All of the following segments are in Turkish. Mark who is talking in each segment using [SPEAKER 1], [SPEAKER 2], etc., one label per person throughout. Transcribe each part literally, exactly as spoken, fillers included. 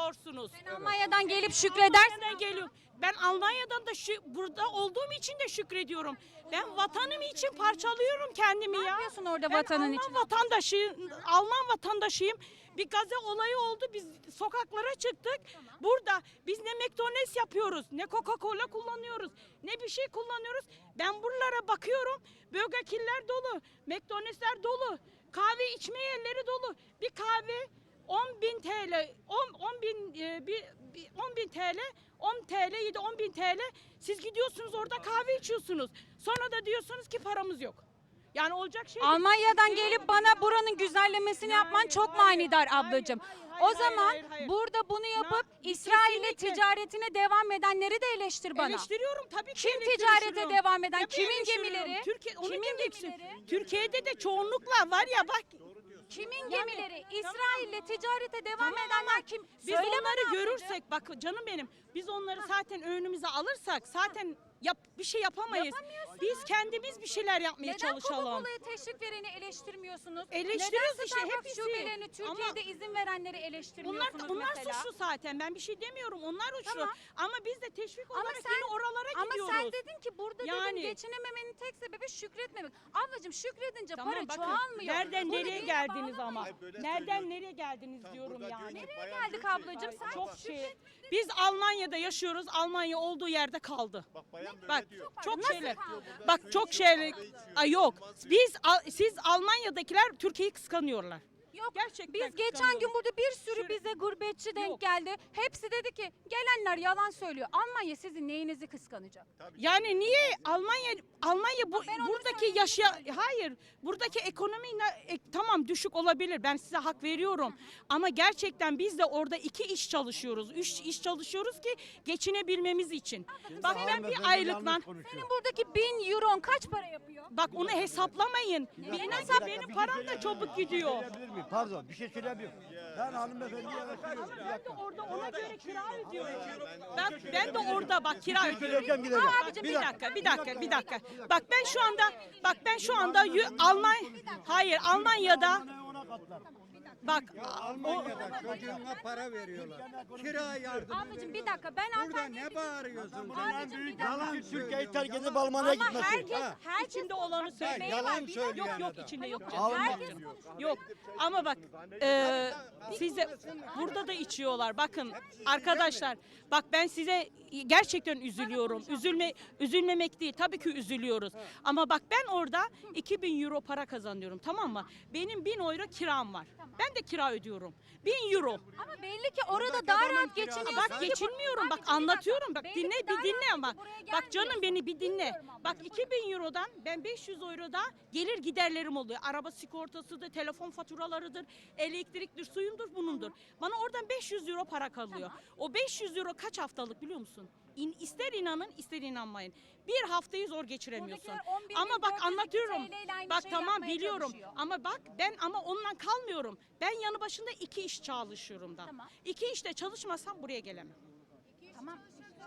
[SPEAKER 1] şükrediyorsunuz.
[SPEAKER 2] Sen Almanya'dan gelip şükredersin.
[SPEAKER 1] Almanya'dan geliyorum. Ben Almanya'dan da şu, burada olduğum için de şükrediyorum. Ben vatanım için parçalıyorum kendimi
[SPEAKER 2] Ne
[SPEAKER 1] ya.
[SPEAKER 2] yapıyorsun orada
[SPEAKER 1] Ben
[SPEAKER 2] vatanın
[SPEAKER 1] Alman
[SPEAKER 2] için?
[SPEAKER 1] vatandaşıyım, Alman vatandaşıyım. Bir gaze olayı oldu. Biz sokaklara çıktık. Burada biz ne McDonald's yapıyoruz, ne Coca-Cola kullanıyoruz, ne bir şey kullanıyoruz. Ben buralara bakıyorum. Burger King'ler dolu, McDonald's'ler dolu, kahve içme yerleri dolu. Bir kahve on bin T L, on bin e, bir, bir on bin T L, on T L yedi on bin T L. Siz gidiyorsunuz orada kahve içiyorsunuz. Sonra da diyorsunuz ki paramız yok. Yani olacak şey değil.
[SPEAKER 2] Almanya'dan gelip bana buranın güzellemesini yapman çok manidar ablacığım.
[SPEAKER 1] hayır,
[SPEAKER 2] O
[SPEAKER 1] hayır,
[SPEAKER 2] zaman
[SPEAKER 1] hayır, hayır.
[SPEAKER 2] burada bunu yapıp
[SPEAKER 1] Na-
[SPEAKER 2] İsrail'le
[SPEAKER 1] kesinlikle.
[SPEAKER 2] ticaretine devam edenleri de eleştir bana.
[SPEAKER 1] Eleştiriyorum tabii ki.
[SPEAKER 2] Kim
[SPEAKER 1] eleştiriyorum.
[SPEAKER 2] ticarete devam eden?
[SPEAKER 1] Tabii
[SPEAKER 2] Kimin
[SPEAKER 1] eleştiriyorum.
[SPEAKER 2] gemileri?
[SPEAKER 1] Türkiye, onu
[SPEAKER 2] Kimin
[SPEAKER 1] diyeceksin.
[SPEAKER 2] gemileri?
[SPEAKER 1] Türkiye'de de çoğunlukla var ya bak.
[SPEAKER 2] Kimin gemileri? İsrail'le ticarete devam
[SPEAKER 1] Tamam
[SPEAKER 2] edenler
[SPEAKER 1] ama
[SPEAKER 2] kim?
[SPEAKER 1] Biz
[SPEAKER 2] Söyle bana
[SPEAKER 1] onları
[SPEAKER 2] ablacığım.
[SPEAKER 1] görürsek bak canım benim. Biz onları zaten önümüze alırsak zaten yap, bir şey yapamayız.
[SPEAKER 2] Yapamıyorsunuz.
[SPEAKER 1] Biz kendimiz bir şeyler yapmaya
[SPEAKER 2] Neden
[SPEAKER 1] çalışalım.
[SPEAKER 2] Coca-Cola'ya teşvik vereni eleştirmiyorsunuz?
[SPEAKER 1] Eleştiriyoruz
[SPEAKER 2] Neden
[SPEAKER 1] işte,
[SPEAKER 2] Starbucks
[SPEAKER 1] hepsi.
[SPEAKER 2] şubelerini Türkiye'de
[SPEAKER 1] Ama-
[SPEAKER 2] izin verenleri
[SPEAKER 1] Bunlar
[SPEAKER 2] eleştirmiyorsunuz
[SPEAKER 1] bunlar
[SPEAKER 2] mesela?
[SPEAKER 1] suçlu zaten. Ben bir şey demiyorum. Onlar suçlu.
[SPEAKER 2] Tamam.
[SPEAKER 1] Ama biz de teşvik
[SPEAKER 2] Ama
[SPEAKER 1] olarak
[SPEAKER 2] sen,
[SPEAKER 1] yine oralara
[SPEAKER 2] ama
[SPEAKER 1] gidiyoruz.
[SPEAKER 2] sen dedin ki burada
[SPEAKER 1] Yani-
[SPEAKER 2] dedin geçinememenin tek sebebi şükretmemek. Ablacığım şükredince
[SPEAKER 1] Tamam,
[SPEAKER 2] para
[SPEAKER 1] bakın,
[SPEAKER 2] çoğalmıyor.
[SPEAKER 1] nereden
[SPEAKER 2] Bunu
[SPEAKER 1] nereye
[SPEAKER 2] dine
[SPEAKER 1] geldiniz
[SPEAKER 2] bağlamayın.
[SPEAKER 1] ama?
[SPEAKER 3] Hayır, böyle
[SPEAKER 1] Nereden
[SPEAKER 3] söylüyorum.
[SPEAKER 1] nereye geldiniz
[SPEAKER 3] Tam
[SPEAKER 1] diyorum
[SPEAKER 3] burada
[SPEAKER 1] yani.
[SPEAKER 3] diyor ki,
[SPEAKER 2] Nereye
[SPEAKER 3] bayan
[SPEAKER 2] geldik
[SPEAKER 3] diyor ki-
[SPEAKER 2] ablacığım? Sen
[SPEAKER 1] Çok
[SPEAKER 2] şükret.
[SPEAKER 1] şey. Biz Almanya'da yaşıyoruz. Almanya olduğu yerde kaldı.
[SPEAKER 3] Bak bayan böyle
[SPEAKER 1] Bak
[SPEAKER 3] diyor.
[SPEAKER 1] çok
[SPEAKER 2] Nasıl
[SPEAKER 1] şeyler.
[SPEAKER 2] kaldı?
[SPEAKER 1] Bak çok şeyler. Ay yok. Biz Al- siz Almanya'dakiler Türkiye'yi kıskanıyorlar.
[SPEAKER 2] Yok.
[SPEAKER 1] Gerçekten
[SPEAKER 2] Biz geçen
[SPEAKER 1] kıskanıyorum.
[SPEAKER 2] gün burada bir sürü
[SPEAKER 1] Şöyle-
[SPEAKER 2] bize gurbetçi denk
[SPEAKER 1] Yok.
[SPEAKER 2] geldi. Hepsi dedi ki gelenler yalan söylüyor. Almanya sizin neyinizi kıskanacak?
[SPEAKER 1] Yani niye Almanya Almanya bu
[SPEAKER 2] ben onu
[SPEAKER 1] buradaki
[SPEAKER 2] söyleyeyim,
[SPEAKER 1] yaşa hayır buradaki ekonomi ne- e, tamam düşük olabilir, ben size hak veriyorum ama gerçekten biz de orada iki iş çalışıyoruz, üç iş çalışıyoruz ki geçinebilmemiz için. Bak ben bir aylıkla
[SPEAKER 2] Senin buradaki bin euron kaç para yapıyor?
[SPEAKER 1] bak onu hesaplamayın. Bir hesap benim param da çabuk gidiyor.
[SPEAKER 4] Söyleyebilir miyim? Pardon, bir şey söyleyebilir miyim? Ben hanımefendiye yakışıyorum. Bir
[SPEAKER 1] Ben de
[SPEAKER 4] dakika.
[SPEAKER 1] orada ona göre kira ödüyorum. Ben, ben de orada bak kira ödüyorum.
[SPEAKER 4] Söyleyeceğim, gideceğim.
[SPEAKER 1] Aa, abicim, bir dakika, bir dakika, bir dakika. Bak ben şu anda, bak ben şu anda Yu- Alman, hayır Almanya'da, bak o,
[SPEAKER 5] Almanya'da çocuğuna para veriyorlar. Kira yardım.
[SPEAKER 2] Ablacığım bir dakika ben
[SPEAKER 5] Burada
[SPEAKER 2] alternatif...
[SPEAKER 5] ne bağırıyorsun?
[SPEAKER 2] Abicim, bir dakika.
[SPEAKER 4] Yalan Türkiye'yi terk edip Almanya'ya
[SPEAKER 2] Ama
[SPEAKER 4] gitmesi.
[SPEAKER 2] herkes,
[SPEAKER 5] Ha.
[SPEAKER 2] herkes
[SPEAKER 1] içinde olanı söyleyin.
[SPEAKER 5] yalan
[SPEAKER 2] Bir dakika.
[SPEAKER 5] söylüyor.
[SPEAKER 1] Yok yok
[SPEAKER 5] adam.
[SPEAKER 1] içinde yok.
[SPEAKER 4] Alman.
[SPEAKER 2] Herkes
[SPEAKER 1] Yok ama bak e, size burada da içiyorlar. Bakın arkadaşlar bak ben size gerçekten üzülüyorum. Üzülme üzülmemek değil. Tabii ki üzülüyoruz. Ama bak ben orada iki bin euro para kazanıyorum, tamam mı? Benim bin euro kiram var. Ben de kira ödüyorum. bin euro.
[SPEAKER 2] Ama belli ki orada daha rahat geçiniyorsun.
[SPEAKER 1] Bak
[SPEAKER 2] ki bu-
[SPEAKER 1] geçinmiyorum, bak
[SPEAKER 2] Abicim, bir dakika.
[SPEAKER 1] anlatıyorum, bak
[SPEAKER 2] Belli
[SPEAKER 1] dinle
[SPEAKER 2] ki daha
[SPEAKER 1] bir dinle
[SPEAKER 2] rahat
[SPEAKER 1] ama
[SPEAKER 2] ki buraya
[SPEAKER 1] bak canım
[SPEAKER 2] gelmiyorsun.
[SPEAKER 1] beni bir dinle.
[SPEAKER 2] Biliyorum
[SPEAKER 1] Bak
[SPEAKER 2] ablacığım.
[SPEAKER 1] iki bin eurodan ben beş yüz euroda gelir giderlerim oluyor. Araba sigortasıdır, telefon faturalarıdır, elektriktir, suyumdur, bunundur. Bana oradan beş yüz euro para kalıyor. O beş yüz euro kaç haftalık biliyor musun? İn, ister inanın ister inanmayın. Bir haftayı zor geçiremiyorsun.
[SPEAKER 2] Buradakiler on bir bin
[SPEAKER 1] Ama
[SPEAKER 2] dört
[SPEAKER 1] bak
[SPEAKER 2] yüz iki
[SPEAKER 1] anlatıyorum.
[SPEAKER 2] T L ile aynı
[SPEAKER 1] Bak
[SPEAKER 2] şeyi
[SPEAKER 1] tamam
[SPEAKER 2] yapmaya
[SPEAKER 1] biliyorum.
[SPEAKER 2] çalışıyor.
[SPEAKER 1] Ama bak ben ama onunla kalmıyorum. Ben yanı başında iki iş çalışıyorum da.
[SPEAKER 2] Tamam.
[SPEAKER 1] İki işte çalışmasam buraya gelemem.
[SPEAKER 2] Tamam.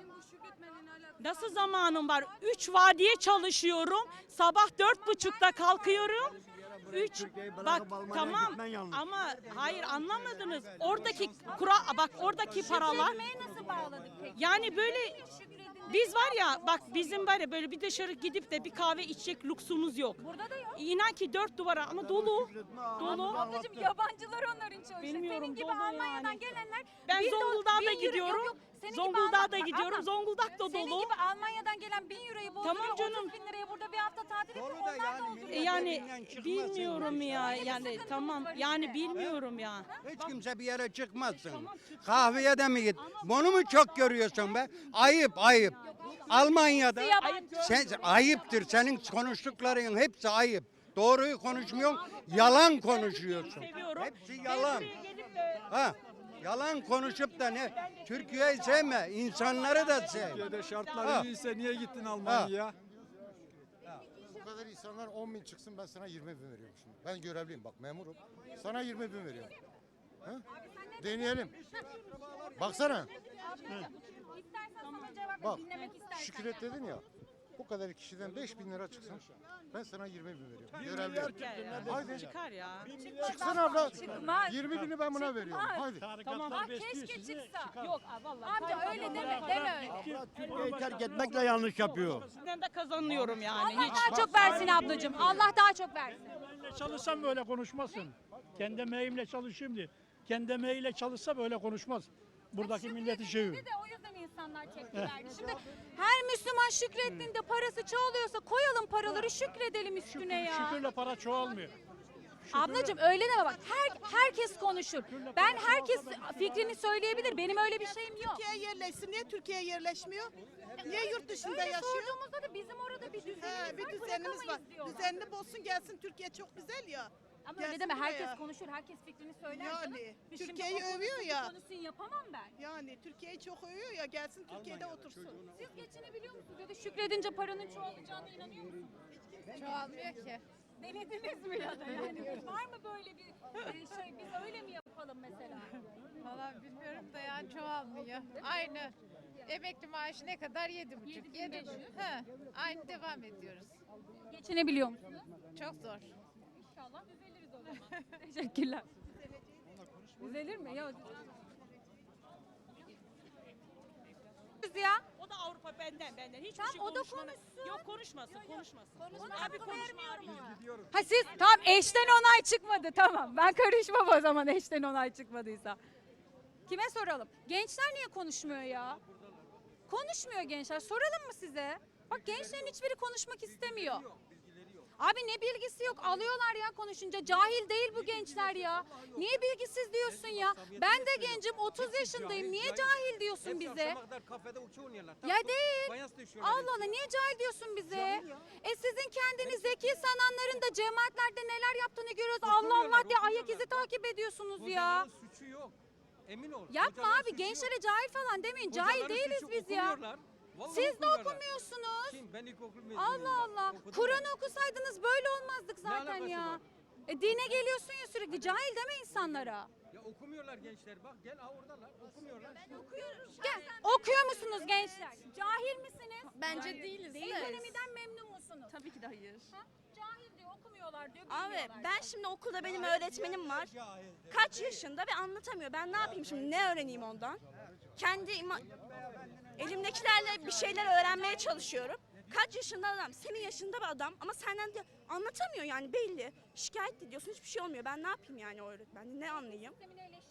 [SPEAKER 1] Nasıl zamanım var? Üç vadiye çalışıyorum. Sabah dört buçukta kalkıyorum. Üç,
[SPEAKER 4] Türkiye'yi bırakıp
[SPEAKER 1] bak
[SPEAKER 4] Almanya'ya
[SPEAKER 1] tamam
[SPEAKER 4] gitmen yanlış.
[SPEAKER 1] ama hayır anlamadınız. Oradaki kura bak oradaki paralar
[SPEAKER 2] Şükretmeye nasıl bağladık peki?
[SPEAKER 1] yani böyle
[SPEAKER 2] Şükredin.
[SPEAKER 1] biz var ya bak bizim var ya böyle bir dışarı gidip de bir kahve içecek lüksümüz yok.
[SPEAKER 2] Burada da yok.
[SPEAKER 1] İnan ki dört duvara ama dolu. Dolu.
[SPEAKER 2] Ablacığım yabancılar onların çoğu.
[SPEAKER 1] Bilmiyorum,
[SPEAKER 2] Senin gibi
[SPEAKER 1] dolu
[SPEAKER 2] Almanya'dan
[SPEAKER 1] yani.
[SPEAKER 2] gelenler.
[SPEAKER 1] Ben
[SPEAKER 2] bin do-
[SPEAKER 1] Zonguldak'a
[SPEAKER 2] bin
[SPEAKER 1] da
[SPEAKER 2] euro-
[SPEAKER 1] gidiyorum.
[SPEAKER 2] yok, yok. Senin gibi
[SPEAKER 1] Zonguldak'a
[SPEAKER 2] Alman-
[SPEAKER 1] da
[SPEAKER 2] Bak
[SPEAKER 1] gidiyorum.
[SPEAKER 2] ablam,
[SPEAKER 1] Zonguldak da
[SPEAKER 2] Senin
[SPEAKER 1] dolu.
[SPEAKER 2] gibi Almanya'dan gelen bin euroyu bozduruyor.
[SPEAKER 1] Tamam canım.
[SPEAKER 2] otuz bin liraya burada bir hafta tatil yapıyor.
[SPEAKER 5] Dolu da
[SPEAKER 2] Onlar
[SPEAKER 5] yani
[SPEAKER 2] da
[SPEAKER 5] millet-
[SPEAKER 1] E
[SPEAKER 2] oluyor.
[SPEAKER 1] yani
[SPEAKER 5] Evinden çıkmasın
[SPEAKER 1] bilmiyorum ya
[SPEAKER 2] Öyle bir
[SPEAKER 1] yani
[SPEAKER 2] sıkıntımız
[SPEAKER 1] tamam
[SPEAKER 2] var
[SPEAKER 1] yani
[SPEAKER 2] işte.
[SPEAKER 1] bilmiyorum ya.
[SPEAKER 5] Hiç kimse bir yere çıkmazsın. Kahveye de mi git? Bunu mu çok görüyorsun be? Ayıp ayıp. Almanya'da
[SPEAKER 2] Yabancı.
[SPEAKER 5] sen ayıptır. Senin konuştukların hepsi ayıp. Doğruyu konuşmuyorsun, yalan konuşuyorsun.
[SPEAKER 1] Seviyorum.
[SPEAKER 5] Hepsi yalan. Ha, yalan konuşup da ne? Türkiye'yi sevme, insanları da sev.
[SPEAKER 6] Türkiye'de şartlar
[SPEAKER 5] Ha.
[SPEAKER 6] iyiyse niye gittin Almanya'ya?
[SPEAKER 7] Bu kadar insanlar on bin çıksın ben sana yirmi bin veriyorum şimdi. Ben görevliyim bak memurum. Sana yirmi bin veriyorum. Ha? Deneyelim. Baksana.
[SPEAKER 2] İstersen sana cevap
[SPEAKER 7] Bak
[SPEAKER 2] dinlemek istersen.
[SPEAKER 7] şükret dedin ya. Bu kadar kişiden beş bin lira çıksın. Ben sana yirmi bin veriyorum.
[SPEAKER 4] Bir
[SPEAKER 7] Görevli.
[SPEAKER 4] milyar çıksın ne desin
[SPEAKER 7] Haydi.
[SPEAKER 4] ya?
[SPEAKER 1] Çıkar ya.
[SPEAKER 7] Çıksın abla.
[SPEAKER 2] Çıkmaz.
[SPEAKER 7] yirmi bini ben buna veriyorum. Haydi.
[SPEAKER 1] Tamam.
[SPEAKER 2] Ah keşke çıksa.
[SPEAKER 1] Yok vallahi.
[SPEAKER 2] Amca öyle deme, deme öyle.
[SPEAKER 4] Abla Türkiye'yi terk etmekle yanlış yapıyor.
[SPEAKER 1] Sizden de kazanıyorum yani.
[SPEAKER 2] Allah
[SPEAKER 1] Hiç.
[SPEAKER 2] daha çok versin ablacığım. Allah daha çok versin.
[SPEAKER 3] Emeğimle çalışsam böyle konuşmasın. Kendi emeğimle çalışayım diye. Kendi emeğiyle çalışsa böyle konuşmaz. Buradaki milleti şeyi.
[SPEAKER 2] Şükredildi de o yüzden insanlar tepki verdi. Şimdi her Müslüman şükrettiğinde parası çoğalıyorsa koyalım paraları şükredelim üstüne ya.
[SPEAKER 3] Şükürle para çoğalmıyor.
[SPEAKER 2] Ablacığım öyle deme bak. Her, herkes konuşur. Ben herkes fikrini söyleyebilir. Benim öyle bir şeyim yok.
[SPEAKER 8] Türkiye'ye yerleşsin. Niye Türkiye'ye yerleşmiyor? Niye yurt dışında
[SPEAKER 2] Öyle
[SPEAKER 8] yaşıyor?
[SPEAKER 2] sorduğumuzda da bizim orada bir düzenimiz
[SPEAKER 8] He, bir
[SPEAKER 2] var.
[SPEAKER 8] düzenimiz var.
[SPEAKER 2] bırakamayız diyorlar.
[SPEAKER 8] Düzenli bozsun gelsin. Türkiye çok güzel ya.
[SPEAKER 2] Ama
[SPEAKER 8] Gelsin
[SPEAKER 2] öyle deme. Herkes
[SPEAKER 8] buraya.
[SPEAKER 2] konuşur. Herkes fikrini söyler.
[SPEAKER 8] Yani,
[SPEAKER 2] canım. Biz şimdi
[SPEAKER 8] Türkiye'yi
[SPEAKER 2] o konuşsun,
[SPEAKER 8] övüyor
[SPEAKER 2] bu
[SPEAKER 8] ya.
[SPEAKER 2] Konuşsun yapamam ben.
[SPEAKER 8] Yani Türkiye'yi çok övüyor ya. Gelsin Türkiye'de otursun.
[SPEAKER 2] Siz geçinebiliyor musunuz? Ya da şükredince paranın çoğalacağına inanıyor musunuz?
[SPEAKER 9] Çoğalmıyor ki.
[SPEAKER 2] Denediniz mi ya da yani? Var mı böyle bir e, şey? Biz öyle mi yapalım mesela?
[SPEAKER 9] Valla bilmiyorum da yani çoğalmıyor. Aynı. Emekli maaşı ne kadar? Yedi buçuk. Yedi buçuk. He, aynı devam ediyoruz.
[SPEAKER 2] Geçinebiliyor musunuz?
[SPEAKER 9] Çok zor.
[SPEAKER 2] İnşallah düzeliriz o zaman. Teşekkürler. Düzelir mi? Ya ya.
[SPEAKER 1] O da Avrupa benden benden. Hiçbir
[SPEAKER 2] Tamam,
[SPEAKER 1] şey
[SPEAKER 2] o da
[SPEAKER 1] konuşmana-
[SPEAKER 2] konuşsun.
[SPEAKER 1] Yok konuşmasın konuşmasın.
[SPEAKER 2] Ona
[SPEAKER 1] Abi konuşma abi.
[SPEAKER 2] Ha siz tam eşten onay çıkmadı tamam. Ben karışmam o zaman eşten onay çıkmadıysa. Kime soralım? Gençler niye konuşmuyor ya? Konuşmuyor gençler. Soralım mı size? Bak gençlerin hiçbiri konuşmak istemiyor. Abi ne bilgisi yok. Alıyorlar ya konuşunca. Cahil değil bu gençler ya. Niye bilgisiz diyorsun ya? Ben de gencim otuz yaşındayım. Niye cahil diyorsun bize? Ya değil. Allah Allah niye cahil diyorsun bize? E sizin kendini zeki sananların da cemaatlerde neler yaptığını görüyoruz. Allah Allah diye ayak izi takip ediyorsunuz ya.
[SPEAKER 10] Suçu yok. Emin ol.
[SPEAKER 2] Yapma abi gençlere cahil falan demeyin. Cahil değiliz biz ya. Siz de okumuyorsunuz.
[SPEAKER 10] Kim? Ben ilkokul mezunuyum.
[SPEAKER 2] Allah Allah.
[SPEAKER 10] Okudum
[SPEAKER 2] Kur'an'ı okusaydınız böyle olmazdık zaten
[SPEAKER 10] alakası
[SPEAKER 2] ya.
[SPEAKER 10] var?
[SPEAKER 2] E dine geliyorsun ya sürekli. Cahil deme insanlara.
[SPEAKER 10] Ya okumuyorlar gençler. Bak gel ha oradalar. Okumuyorlar.
[SPEAKER 2] Gel. Okuyor musunuz gençler? Cahil misiniz?
[SPEAKER 9] Bence değiliz.
[SPEAKER 2] Değil ekonomiden memnun musunuz?
[SPEAKER 11] Tabii ki de hayır.
[SPEAKER 2] Ha? Cahil diyor, okumuyorlar diyor,
[SPEAKER 11] Abi
[SPEAKER 2] bilmiyorlar.
[SPEAKER 11] ben şimdi okulda benim öğretmenim var. Kaç yaşında ve anlatamıyor. Ben ne yapayım şimdi? Ne öğreneyim ondan? Kendi ima- elimdekilerle bir şeyler öğrenmeye çalışıyorum. Kaç yaşında adam? Senin yaşında bir adam ama senden de anlatamıyor yani belli. Şikayet ediyorsun hiçbir şey olmuyor. Ben ne yapayım yani o öğretmen? Ne anlayayım?
[SPEAKER 2] Sistemini eleştiriyorlar.